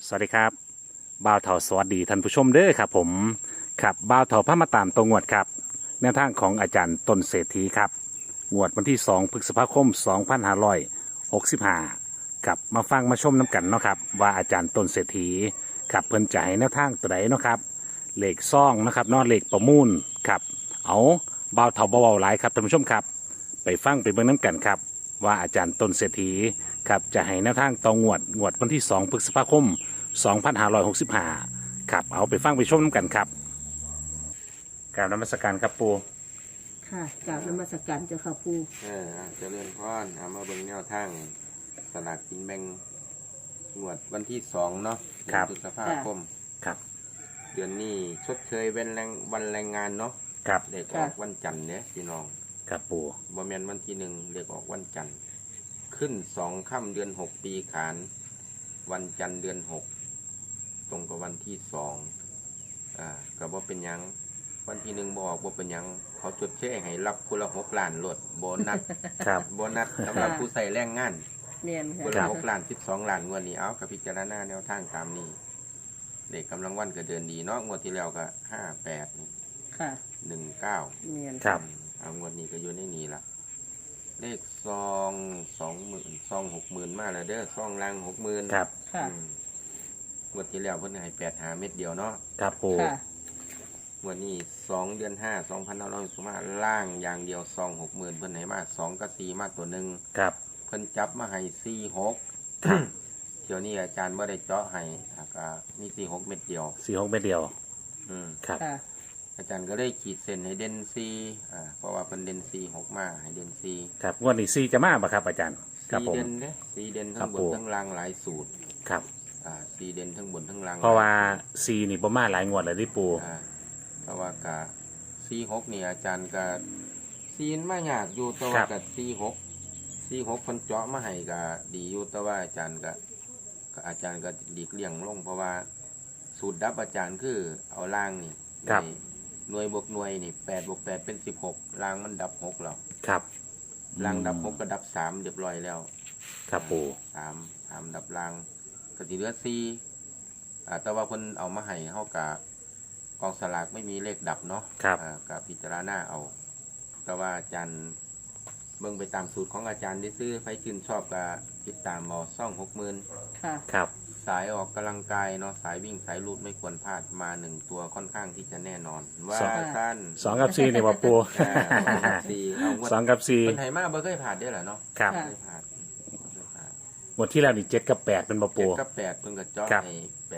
สวัสดีครับบ่าวเถาสวัสดีท่านผู้ชมเด้อครับผมครับบ่าวเถาพามาตามตัวงวดครับแนวทางของอาจารย์ต้นเศรษฐีครับงวดวันที่2พฤษภาคม2565ครับมาฟังมาชมน้ำกันเนาะครับว่าอาจารย์ต้นเศรษฐีครับเพิ่นจะให้แนวทางตัวใดเนาะครับเลขซ่องนะครับเนอเลขประมูลครับเอาบ่าวเถาเบาๆหลายครับท่านผู้ชมครับไปฟังไปเบิ่งน้ำกันครับว่าอาจารย์ต้นเศรษฐีครับจะให้แนวทางต่องวดวันที่2พฤษภาคม2565ครับเอาไปฟังไปชมน้ำกันครับกราบนมัสการครับปูค่ะกราบนมัสการเจ้าค่ะปู่เจริญพรเอามาเบิ่งแนวทางสลากกินแบ่งงวดวันที่2เนาะพฤษภาคมครับเดือนนี้ชดเชยเป็นวันแรงงานเนาะครับเด็กออกวันจันทร์เนี่ยพี่น้องครับปูบ่แม่นวันที่1เด็กออกวันจันทร์ขึ้น2ค่ำเดือน6ปีขานวันจันทร์เดือน6ตรงกับวันที่2ก็บ่เป็นหยังวันที่1บ่ออกบ่เป็นหยังเขาจดแช่ให้รับคนละ6 ล้านโลดโบนัสครับโบนัสสำหรับผู้ใส่แรงงานเนียนคนละ6 ล้าน12 ล้านงวดนี้เอากับพิจารณาแนวทางตามนี้เด็กกำลังวันก็เดินดีเนาะงวดที่แล้วก็58นี่ค่ะ 19 เนียนครับเอางวดนี้ก็อยู่ในนี้ละเลขซอง20,000ซอง60,000มาแล้วเด้อซองล่าง60,000 ครับค่ะงวดที่แล้วเพิ่นให้85เม็ดเดียวเนาะครับปูค่ะงวดนี้2เดือน5 2565ล่างอย่างเดียวซอง60,000เพิ่นให้มา2กับ4มาตัวนึงครับเพิ่นจับมาให้46เที่ยวนี้อาจารย์บ่ได้เจาะให้ก็มี46เม็ดเดียว 46เม็ดเดียวครับอาจารย์ก็ได้ขีดเส้นให้เด่น4เพราะว่าเพิ่นเด่น46มาให้เด่น4 ครับงวดนี้4จะมาบ่ครับอาจารย์ครับผม 4เด่นเด้4เด่นทั้งบนทั้งล่างหลายสูตรครับ 4เด่นทั้งบนทั้งล่างเพราะว่า4นี่บ่มาหลายงวดแล้วดิปูเพราะว่ากะ46นี่อาจารย์ก็4มายากอยู่แต่ว่าก็46เพิ่นเจาะมาให้ก็ดีอยู่แต่ว่าอาจารย์ก็หลีกเลี่ยงลงเพราะว่าสูตรดับอาจารย์คือเอาล่างนี่หน่วยบวกหน่วยนี่8บวก8เป็น16ล่างมันดับ6แล้วครับล่างดับ6ก็ดับ3เรียบร้อยแล้วครับปู่ 3ดับล่างก็สิเหลือ4แต่ว่าเพิ่นเอามาให้เฮากะกองสลากไม่มีเลขดับเนาะก็พิจารณาเอาแต่ว่าอาจารย์เบิ่งไปตามสูตรของอาจารย์ได้ซื้อไฟชื่นชอบก็ติดตามเอาซ่อง60,000 ค่ะครับสายออกกำลังกายเนาะสายวิ่งสายลูดไม่ควรพลาดมา1ตัวค่อนข้างที่จะแน่นอนว่าท่าน 2กับ4นี่บ่ปู2กับ4 คนไทยมาบ่เคยผ่านได้หรอเนาะครับหมดที่แล้วนี่7กับ8เป็นบ่ปู 7กับ8เพิ่นก็เจาะให้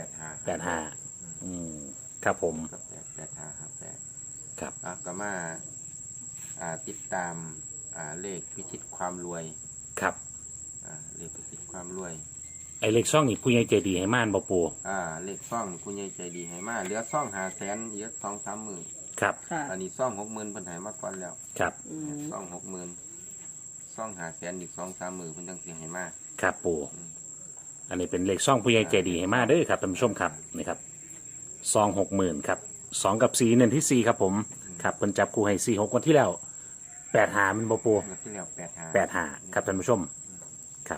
85ครับผมกับ85 ครับก็มาติดตามเลขพิชิตความรวยครับเลขพิชิตความรวยไอเลขซ่องนี่ผู้ใหญ่ใจดีให้ม่านบ่ปูเลขซ่องผู้ใหญ่ใจดีให้มาเหลือซ่อง500,000เหลือ2-3 หมื่นครับอันนี้ซ่อง60,000เพิ่นให้มาก่อนแล้วครับซ่อง60,000ซ่อง500,000อีก2-3 หมื่นเพิ่นจังสิให้มาครับปูอันนี้เป็นเลขซ่องผู้ใหญ่ใจดีให้มาเด้อครับท่านผู้ชมครับนี่ครับซอง60,000ครับ2กับ4เน้นที่4ครับผมครับเพิ่นจับคู่ให้46วันที่แล้ว85มันบ่ปูที่แล้ว 85ครับท่านผู้ชมครับ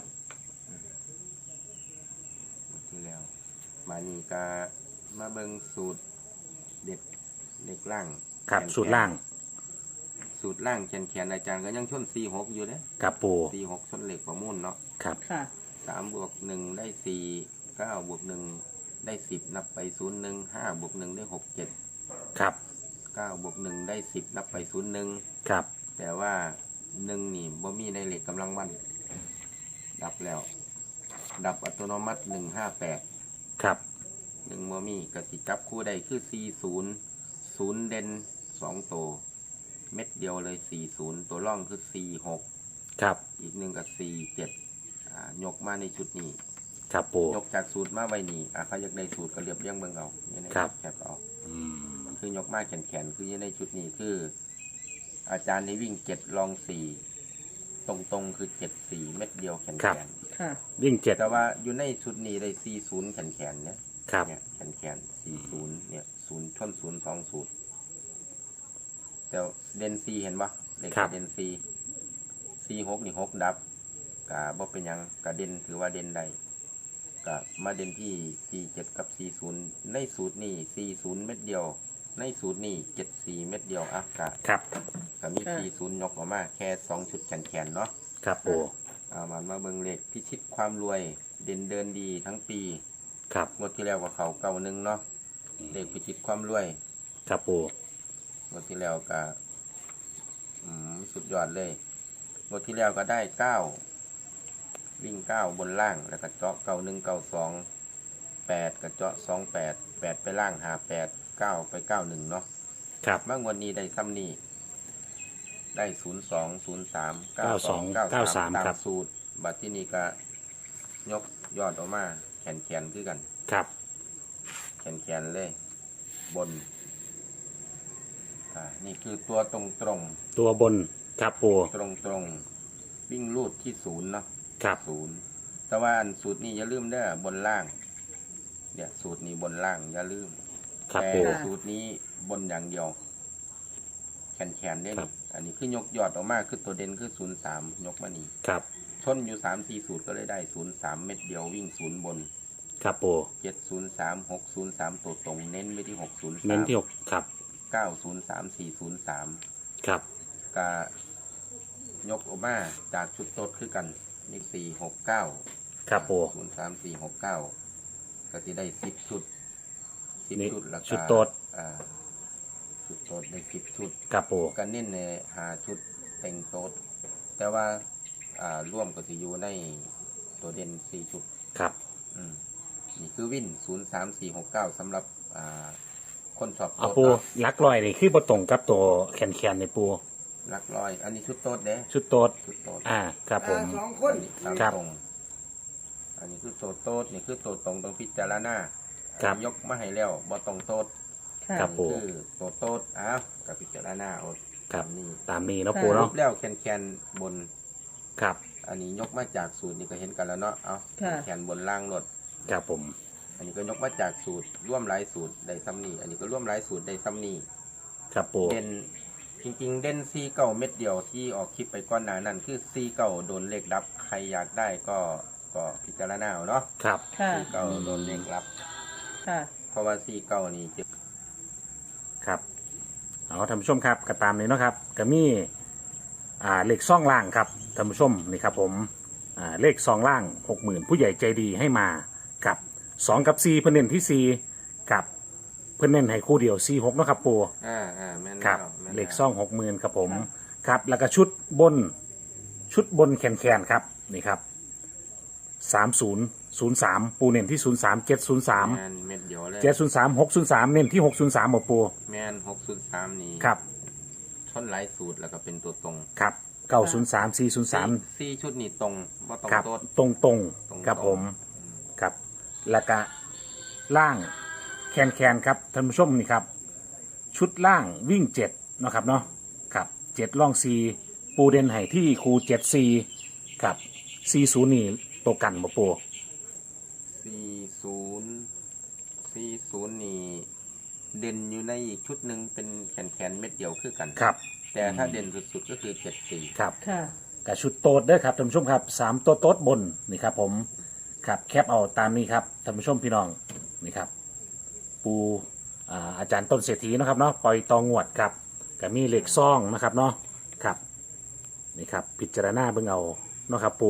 ที่แล้วมานี่ก็มาเบิ่งสูตรเด็กล่างครับสูตรล่างแขนอาจารย์ก็ยังชน46อยู่เด้ครับปู 46ชนเหล็กประมูลเนาะครับค่ะ 3บวก1ได้4 9บวก1ได้10นับไป01 5บวก1ได้6 7 ครับ 9บวก1ได้10นับไป01 ครับแต่ว่า1นี่บ่มีในเหล็กกำลังวันดับแล้วดับอัตโนมัติ158 ครับ 1บ่มีก็สิจับคู่ได้คือ40 0เด่น2ตัวเม็ดเดียวเลย40ตัวร่องคือ46 ครับอีก1ก็47ยกมาในชุดนี้ครับปู่ยกจากสูตรมาไว้นี่เขาอยากได้สูตรก็เรียบเรียงเบิ่งเอาในแคปเอาคือยกมาแขนคือในชุดนี้คืออาจารย์ในวิ่ง7ลอง4ตรงคือ74เม็ดเดียวแขนค่ะวิ่ง7 แต่ว่าอยู่ในชุดนี้ได้40แขนเนี่ยครับเนี่ยแขน40เนี่ย0ชน0 2สูตรแต่เด่น4เห็นปะเลขเด่น46นี่6ดับบ่เป็นยังกะเด่นถือว่าเด่นได้ก็มาเด่นที่47กับ40ในสูตรนี้40เม็ดเดียวในสูตรนี้74เม็ดเดียวอ่ะก็ครับมี40ยกออกมาแค่2ชุดแขนๆเนาะครับปูมาเบิ่งเลขพิชิตความรวยเด่นเดินดีทั้งปีครับงวดที่แล้วก็เขา91เนาะเลขพิชิตความรวยครับปูงวดที่แล้วก็สุดยอดเลยงวดที่แล้วก็ได้9วิ่ง9บนล่างแล้วก็เจาะ91 92 8ก็เจาะ28 8ไปล่าง58 9ไป91เนาะครับมางวดนี้ได้ซ้ำนี้ได้02 03 92 92 93ตาครัมบสูตรบัดที่นี้ก็ยกยอดออกมาแขนคือกันครับแขนเลย บนนี่คือตัวตรงตัวบนครับปูตรงวิ่งลูดที่0เนาะครับ 0แต่ว่าอันสูตรนี้อย่าลืมเด้อบนล่างเนี่ยสูตรนี้บนล่างอย่าลืมครับแต่ปูสูตรนี้บนอย่างเดียวแขนได้นี่อันนี้คือยกยอดออกมาคือตัวเด่นคือ03ยกมานี่ครับชนอยู่3-4สูตรก็เลยได้03เม็ดเดียววิ่ง0บนครับปู 703 603ตัวตรงเน้นไปที่603 เน้นที่หกครับ 903 403 ครับกยกออกมาจากชุดโต๊ดคือกันนี่469 ครับปู 03469ก็จะได้10ชุดนี่ 10ชุดแล้วก็ชุดโต๊ดชุดโต๊ดได้10ชุดครับปูก็เน้นใน5ชุดเต็งโต๊ดแต่ว่าร่วมก็สิอยู่ในตัวเด่น4ชุดครับนี่คือวิน03469สำหรับคนชอบเอาโต๊ดปูเนาะลักลอยนี่คือบ่ตรงกับตัวแขนในปูหลักร้อยอันนี้ชุดโต๊ดเด้ชุดโต๊ดชุดโต๊ดครับผม 2 คนตามครับตรงอันนี้คือตัวโต๊ดนี่คือตัวตรงต้องพิจารณาครับยกมาให้แล้วบ่ตรงโต๊ดค่ะครับนี่คือตัวโต๊ดกับพิจารณาเอาครับนี่ตามนี้เนาะปูเนาะแล้วแขนบนครับอันนี้ยกมาจากสูตรนี่ก็เห็นกันแล้วเนาะเอาค่ะแขนบนล่างรถครับผมอันนี้ก็ยกมาจากสูตรร่วมหลายสูตรได้ซ้ำนี่อันนี้ก็ร่วมหลายสูตรได้ซ้ำนี่ครับปูเด่นจริงๆเด่นซีเก่าเม็ดเดียวที่ออกคลิปไปก้อนหนานั่นคือซีเก่าโดนเลขดับใครอยากได้ก็พิจารณาเอาเนาะครับค่ะซีเก่าโดนเลขรับค่ะเพราะว่าซีเก่านี่จะครับเอาท่านผู้ชมครับก็ตามนี้เนาะครับก็มีเลขซ่องล่างครับท่านผู้ชมนี่ครับผมเลขซองล่าง 60,000ผู้ใหญ่ใจดีให้มากับ2กับ4เพิ่นเน้นที่4กับเพิ่นเน้นให้คู่เดียว46เนาะครับปูแม่นครับแล้วแม่นเลแล้วขซ่อง 60,000ครับผมครับแล้วก็ชุดบนแขนครับนี่ครับ3003ปูเน้นที่03 703 แม่นเม็ดเดียวเลย 703 603เน้นที่603บ่ปูแม่น603นี่ครับชนหลายสูตรแล้วก็เป็นตัวตรงครับ903 403 ซีชุดนี่ตรงว่าตรงครับโต๊ดตรงตรงครับผมครับแล้วก็ล่างแคนครับท่านผู้ชมนี่ครับ ชุดล่างวิ่ง7เนาะครับเนาะครับ7ล่อง4ปูเด่นให้ที่คู74ครับ40นี่ตัวกันบ่ปู 40นี่เด่นอยู่ในอีกชุดหนึ่งเป็นแขนเม็ดเดียวคือกันครับแต่ถ้าเด่นสุดๆก็คือ74 ครับค่ะกับชุดโต๊ดเด้อครับท่านผู้ชมครับ3ตัวโต๊ดบนนี่ครับผมครับแคปเอาตามนี้ครับท่านผู้ชมพี่น้องนี่ครับปูอาจารย์ต้นเศรษฐีเนาะครับเนาะปล่อยตองวดครับกับมีเหล็กซ่องนะครับเนาะครับนี่ครับพิจารณาเบิ่งเอาเนาะครับ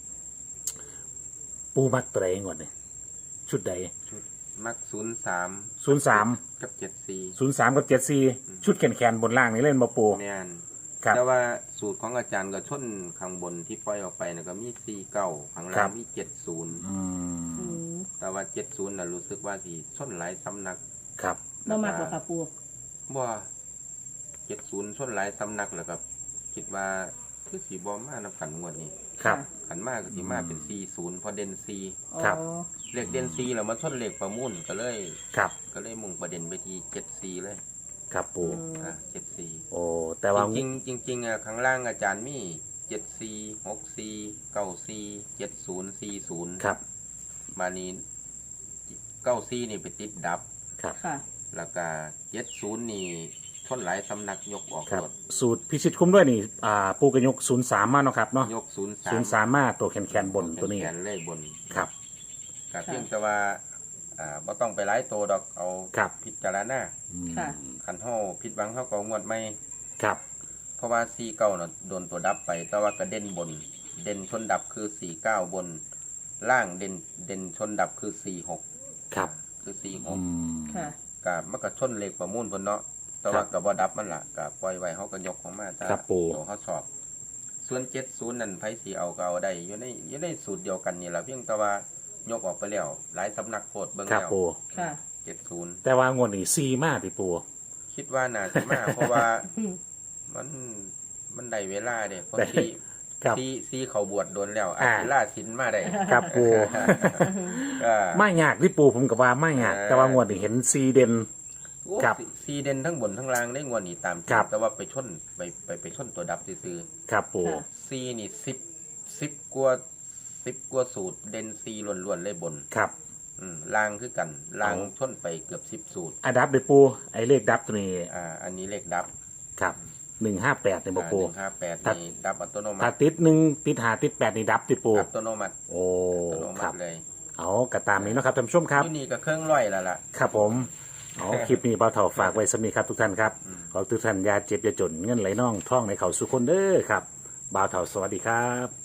ปูมักตัวใดงวดนี่ชุดใดชุดมัก03 03 กับ74 03กับ74ชุดแขนบนล่างนี่เล่นบ่ปูแม่นครับแต่ว่าสูตรของอาจารย์ก็ชนข้างบนที่ปล่อยออกไปนะก็มี49ข้างครัล่างบมี70 อืมแต่ว่า70น่ะรู้สึกว่าสิชนหลายสำนักครับบ่มากกว่าค่ะปูบ่70ชนหลายสำนักแล้วก็คิดว่าคือสิบ่มานำกันงวดนี้ครับขันมากก็สิมาเป็น40พอเด่น4 ครับอ๋อเลขเด่น4แล้วมาชนเลขประมูลก็เลยครับมุ่งประเด็นไปที่74เลยครับปู 74 โอ้แต่ว่าจริงๆข้างล่างอาจารย์มี74 64 94 70 40 ครับมานี้94นี่ไปติดดับครับค่ะแล้วก็70นี่ชนหลายสำนักยกออกครับหมดสูตรพิชิตคุ้มด้วยนี่ปูกระยก03มาเนาะครับเนาะยก03 03มาตัวแขนบนตัวนี้แขนเลยบนครับกก็เพียงแต่ว่าบ่ต้องไปหลายโตดอกเอาครับพิจารณาค่ะคันเฮาผิดหวังเฮาก็งวดใหม่ครับเพราะว่า49น่ะโดนตัวดับไป แต่ว่าก็เด่นบน เด่นชนดับคือ49บน ล่างเด่นชนดับคือ46 ครับคืออื 46 มค่ะก็มันก็ชนเลขประมูลเพิ่นเนาะแต่ว่าก็บ่ดับมันล่ะก็ปล่อยไว้เฮาก็ยกของมาตามครับปู่ตัวเฮาชอบ ส่วน70นั่นไผสิเอาก็เอาได้อยู่ในสูตรเดียวกันนี่ล่ะเพียงแต่ว่ายกออกไปแล้วหลายสำนักโพดเบิ่งครับแล้วปูค่ะ 70 แต่ว่างวดนี้ซีมากที่ปูคิดว่าน่าสิมา เพราะว่ามันได้เวลาเด้เพราะได้ ครับซีเขาบวชโดนแล้วอาจสิลาศีลมาได้ครับปูก็ไม่ยากที่ปูผมกับว่าไม่ยากแต่ว่างวดนี้เห็นซีเด่น ครับซีเด่นทั้งบนทั้งล่างได้งวดนี้ตามจริงครับแต่ว่าไปชนไปชนตัวดับซื่อครับปูค่ะๆซีนี่10กว่าสูตรเด่นซีล้วนๆเลยบนครับล่างคือกันล่างเอาชนไปเกือบ10สูตรอะดับเลยปูไอเลขดับตัวนี้อันนี้เลขดับครับ158เนี่ยบอกปู 158 ตัดนี่ดับอัตโนมัถ้าติติดหนึ่งติดหาติดแปดนี่ดับที่ปูอัตโนมัติโอ้อัตโนคมัรับติเลยเอากระตามนี้เนาะครับท่านผู้ชมครับที่นี่ก็เครื่องร้อยแล้วล่ะครับผมเอาคลิปนี้เบาเถ่าฝากไว้สำนีครับทุกท่านครับขอทุกท่านอย่าเจ็บอย่าจนเงินไหลน่องท่องในเขาสุขคนเด้อครับบ่าวเถ่าสวัสดีครับ